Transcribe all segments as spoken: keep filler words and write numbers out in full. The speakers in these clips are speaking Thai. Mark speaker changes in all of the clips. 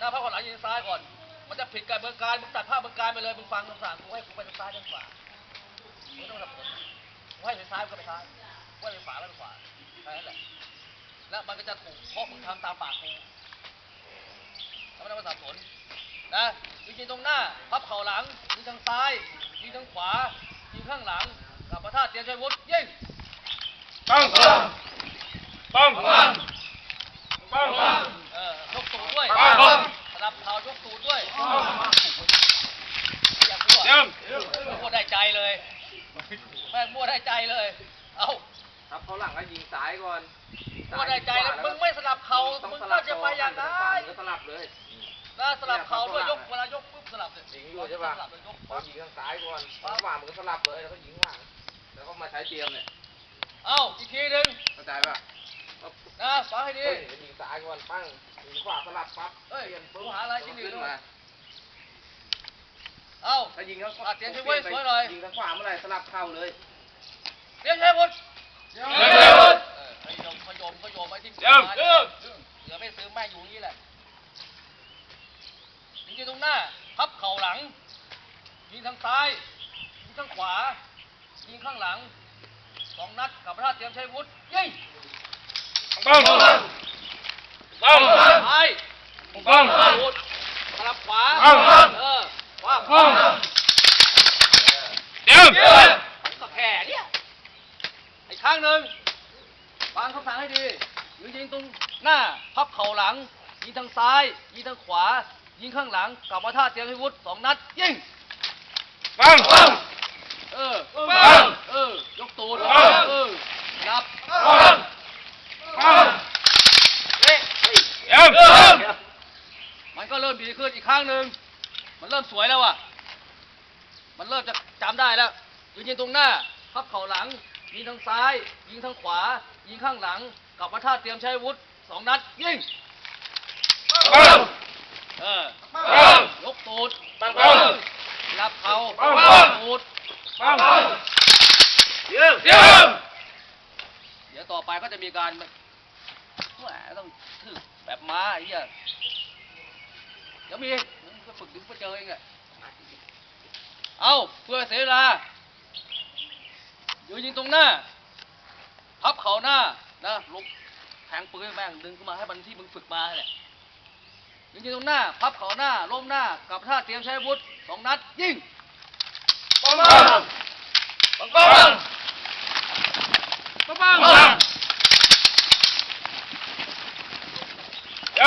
Speaker 1: นะพับเขาหลังยิงซ้ายก่อนมันจะผิดกับเมืองการมึงตัดภาพเมืองการไปเลยมึงฟังคำสั่งกูให้กูไปทางซ้ายทางขวามึงต้องสับสนกูให้ไปซ้ายก็ไปซ้ายกูให้ไปขวาก็ไปขวาแค่นั้นแหละแล้วมันก็จะถูกเพราะมึงทำตามปากกูแล้วไม่ต้องมาสับสนนะยิงตรงหน้าพับเข่าหลังยิงทางซ้ายยิงทางขวายิงข้างหลังกับประทาเตรียมชัยวุฒิยิง
Speaker 2: ปังปังปังปัง
Speaker 1: เออยกตูดด้วยสลับเข่ายกตูดด้วยอย่าพูดอ่ะพูดได้ใจเลยแม่งมั่วได้ใจเลยเอา
Speaker 3: ทับเขาหลังก็ยิงซ้ายก่อน
Speaker 1: มั่วได้ใจแล้วมึงไม่สลับเข่ามึงก็จะไปอย่างนั้น
Speaker 3: ก็สลับเลย
Speaker 1: นะสลับเข่าด้วยยกเวลายกปุ๊บสลับเลย
Speaker 3: ยิงอยู่ใช่ป่ะพอยิงทางซ้ายก่อนขวามันก็สลับเลยแล้วก็ยิงหลังแล้วก็มาใช้เตรียมเนี่ย
Speaker 1: เอาอีกทีหนึ่ง
Speaker 3: เข้าใจป่ะ
Speaker 1: นะฟังให้ดี
Speaker 3: ยิงซ้ายก่อนปั้งยิงขวาสลับปั๊บ
Speaker 1: เอ้ยปืนหาอะไรยิงขึ้นมา
Speaker 3: เอาถ้ายิงเขา
Speaker 1: เตรียมใช้ไว้สวยหน่อย
Speaker 3: ยิงทางขวาเมื่อไรสลับเข้าเลย
Speaker 1: เตรียมใช้วุฒิ
Speaker 2: เตรียมใช้วุฒิ
Speaker 1: ขยมขยมขยมไปที่เต
Speaker 2: รียมเตรียม
Speaker 1: เหลือไม่ซื้อแม่อยู่นี่แหละยิงตรงหน้าพับเข่าหลังยิงทางซ้ายยิงทางขวายิงข้างหลังสองนัดกับพระธาตุเตรียมใช้วุฒิยิง
Speaker 2: ปังปัง
Speaker 1: ซ้าย
Speaker 2: ปังปัง
Speaker 1: สลับขวาเออขวา
Speaker 2: เดี๋ยว
Speaker 1: ก็แค่เนี่ยอีกครั้งหนึ่งฟังคำสั่งให้ดียิงยิงตรงหน้าพับเข่าหลังยิงทางซ้ายยิงทางขวายิงข้างหลังกับพระธาตุเตรียมใช้วุฒิสองนัดยิง
Speaker 2: ปังปัง
Speaker 1: เออปังเออยกตูดเออนับ
Speaker 2: ปังปัง
Speaker 1: เอ๊ะ
Speaker 2: เดี๋ยว
Speaker 1: มันก็เริ่มดีขึ้นอีกครั้งหนึ่งมันเริ่มสวยแล้วอ่ะมันเริ่มจะจำได้แล้วยิงยิงตรงหน้าพับเข่าหลังยิงทางซ้ายยิงทางขวายิงข้างหลังกับพระธาตุเตรียมใช้วุฒิสองนัดยิง
Speaker 2: ปัง
Speaker 1: เออ
Speaker 2: ปัง
Speaker 1: ยกตูด
Speaker 2: ปังปัง
Speaker 1: รับเข่า
Speaker 2: ปัง
Speaker 1: ตูด
Speaker 2: ปังเดี๋ยวเดี๋ยว
Speaker 1: เดี๋ยวต่อไปก็จะมีการแหมต้องถือแบบม้าไอ้เหี้ยเดี๋ยวมีก็ฝึกถึงไปเจอเองอะเอาเพื่อเสียเวลาอยู่ยิงตรงหน้าพับเข่าหน้านะลุกแทงปืนแม่งดึงขึ้นมาให้มันที่มึงฝึกมาแหละยิงยิงตรงหน้าพับเข่าหน้าล้มหน้ากับท่าเตรียมใช้อาวุธสองนัดยิง
Speaker 2: ปังปังปังปัง
Speaker 1: ปังปัง
Speaker 2: เดี๋ยว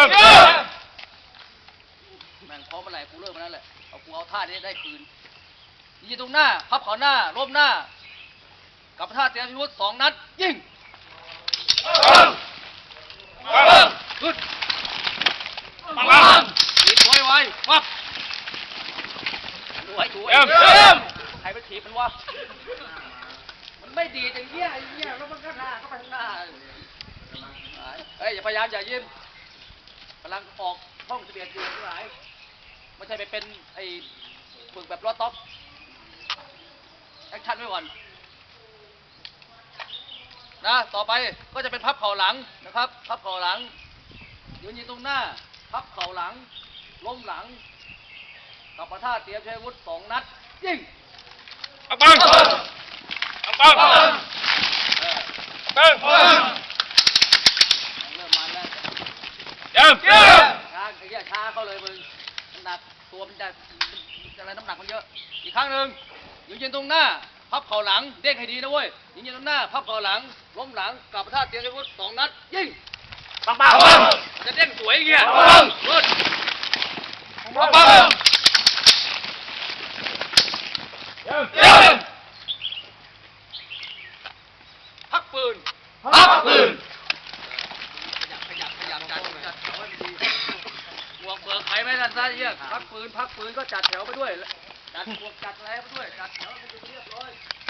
Speaker 1: แม่งพร้อมเมื่อไหร่กูเลิกมาแล้วแหละเอากูเอาท่านี้ได้คืนยิงตรงหน้าพับเข่าหน้าล้มหน้ากับท่าเตรียมอาวุธสองนัดยิง
Speaker 2: ปังปัง
Speaker 1: ขึ้น
Speaker 2: ปังปัง
Speaker 1: ถีบไว้ไว้วับดูไว้ดูไว้ใครไปถีบมันวะมันไม่ดีจังเงี้ยไอ้เงี้ยแล้วมันก็หน้าเข้าไปข้างหน้าเฮ้ยอย่าพยายามอย่ายิ้มกำลังออกห้องสิบเอ็ดอยู่ทั้งหลายไม่ใช่ไปเป็นไอ้ฝึกแบบล้อต๊อกแอคชั่นไว้ก่อนนะต่อไปก็จะเป็นพับเข่าหลังนะครับพับเข่าหลังยืนยิงตรงหน้าพับเข่าหลังล้มหลังกับประท่าเตรียมใช้อาวุธสองนัดยิง
Speaker 2: ปังปังปังปังปังปัง
Speaker 1: เริ่มมันแล้ว
Speaker 2: เดี๋ยวเดี๋ยว
Speaker 1: ช้าไอ้เหี้ยช้าเข้าเลยมึงน้ำหนักตัวมันจะอะไรน้ำหนักมันเยอะอีกครั้งหนึ่งยืนยิงตรงหน้าพับเข่าหลังเด้งให้ดีนะเว้ยยิงยิงตรงหน้าพับเข่าหลังล้มหลังกับประท่าเตรียมใช้อาวุธสองนัดยิงปังปังจะเด้งสวยอย่างเงี้ย
Speaker 2: ปัง
Speaker 1: ปัง
Speaker 2: ปังปังเดี๋ยวเดี๋ยว
Speaker 1: พักปืน
Speaker 2: พักปืน
Speaker 1: ขยับขยับขยับจัดจัดแถวให้ดีบวกเบิกใครไม่ทันซะเยี่ยพักปืนพักปืนก็จัดแถวไปด้วยจัดบวกจัดอะไรไปด้วยจัดแถวให้เรียบร้อย